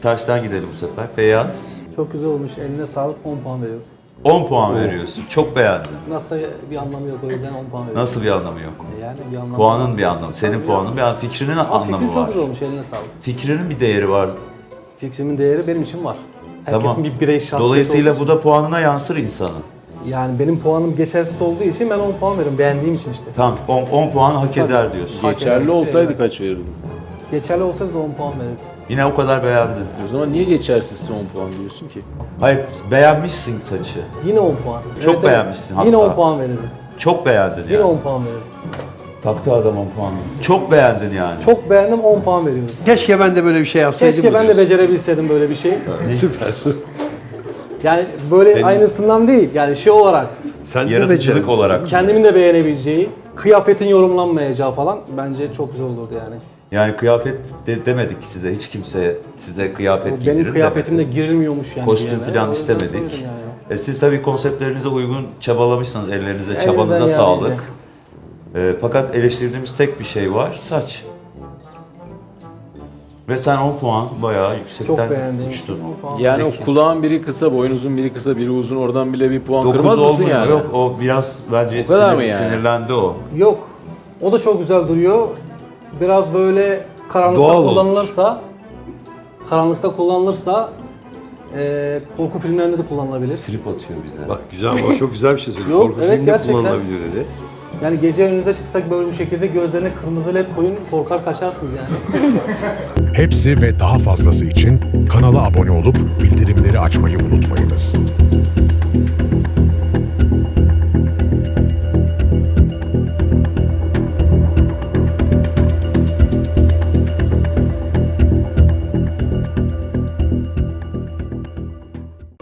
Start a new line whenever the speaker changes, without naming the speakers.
Tersten gidelim bu sefer. Beyaz.
Çok güzel olmuş. Eline sağlık. 10 puan veriyorum.
10 puan veriyorsun. Çok beğendin.
Nasıl da bir anlamı yok. O yüzden 10 puan veriyorum.
Nasıl bir anlamı yok?
Yani bir anlamı
Puanın
var.
bir anlamı. Senin
Tabii
puanın bir anlamı. Fikrinin
Ama
anlamı
fikrin çok
var.
güzel olmuş. Eline sağlık.
Fikrinin bir değeri var.
Fikrimin değeri benim için var. Herkesin
Tamam.
bir birey şahsiyeti
Dolayısıyla
olduğu
bu da puanına yansır insanın.
için. Yani benim puanım geçersiz olduğu için ben 10 puan veriyorum. Beğendiğim için işte.
Tamam 10 puan hak eder diyorsun.
Geçerli olsaydı kaç verirdin?
Geçerli olsaydı da 10 puan verirdim.
Yine o kadar beğendin.
O zaman niye geçersizsin 10 puan diyorsun ki?
Hayır beğenmişsin saçı.
Yine 10 puan.
Çok beğenmişsin
Yine
hatta.
10 puan verirdim.
Çok beğendin
Yine
yani.
10 puan verirdim.
Taktı adam 10 puanı. Çok beğendin yani.
Çok beğendim 10 puan veriyorum.
Keşke ben de böyle bir şey yapsaydım.
Keşke
mı
ben de
diyorsun?
becerebilseydim böyle bir şey.
Süper.
Yani böyle
Senin-
aynısından değil. Yani şey olarak
Sen de
Yaratıcılık
becerdin.
olarak.
kendimin de beğenebileceği, kıyafetin yorumlanmayacağı falan bence çok güzel olurdu yani.
Yani kıyafet demedik size. Hiç kimseye size kıyafet giydirin
Benim kıyafetimde
demedi.
girilmiyormuş yani.
Kostüm
bir yere.
falan
O yüzden
istemedik.
söyledim yani.
Siz tabii konseptlerinize uygun çabalamışsınız. Ellerinize,
Elinizden
çabanıza
geldiğince.
sağlık. Fakat eleştirdiğimiz tek bir şey var. Saç. Ve sen 10 puan bayağı
Çok
yüksekten
beğendim.
uçtun.
Yani
Peki.
o kulağın biri kısa, boynuzun biri kısa, biri uzun, oradan bile bir puan
9
kırmaz mısın
olmuyor.
yani?
Yok o biraz bence
O kadar mı yani?
sinirlendi o.
Yok. O da çok güzel duruyor. Biraz böyle karanlıkta
Doğal olmuş.
kullanılırsa korku filmlerinde de kullanılabilir.
Trip atıyor bize.
Bak güzel ama çok güzel bir şey söyledi.
Yok,
Korku
evet,
filminde
gerçekten.
kullanılabilir dedi.
Yani gece önünüze çıksak böyle bu şekilde gözlerine kırmızı led koyun, korkar kaçarsınız yani.
Hepsi ve daha fazlası için kanala abone olup bildirimleri açmayı unutmayınız.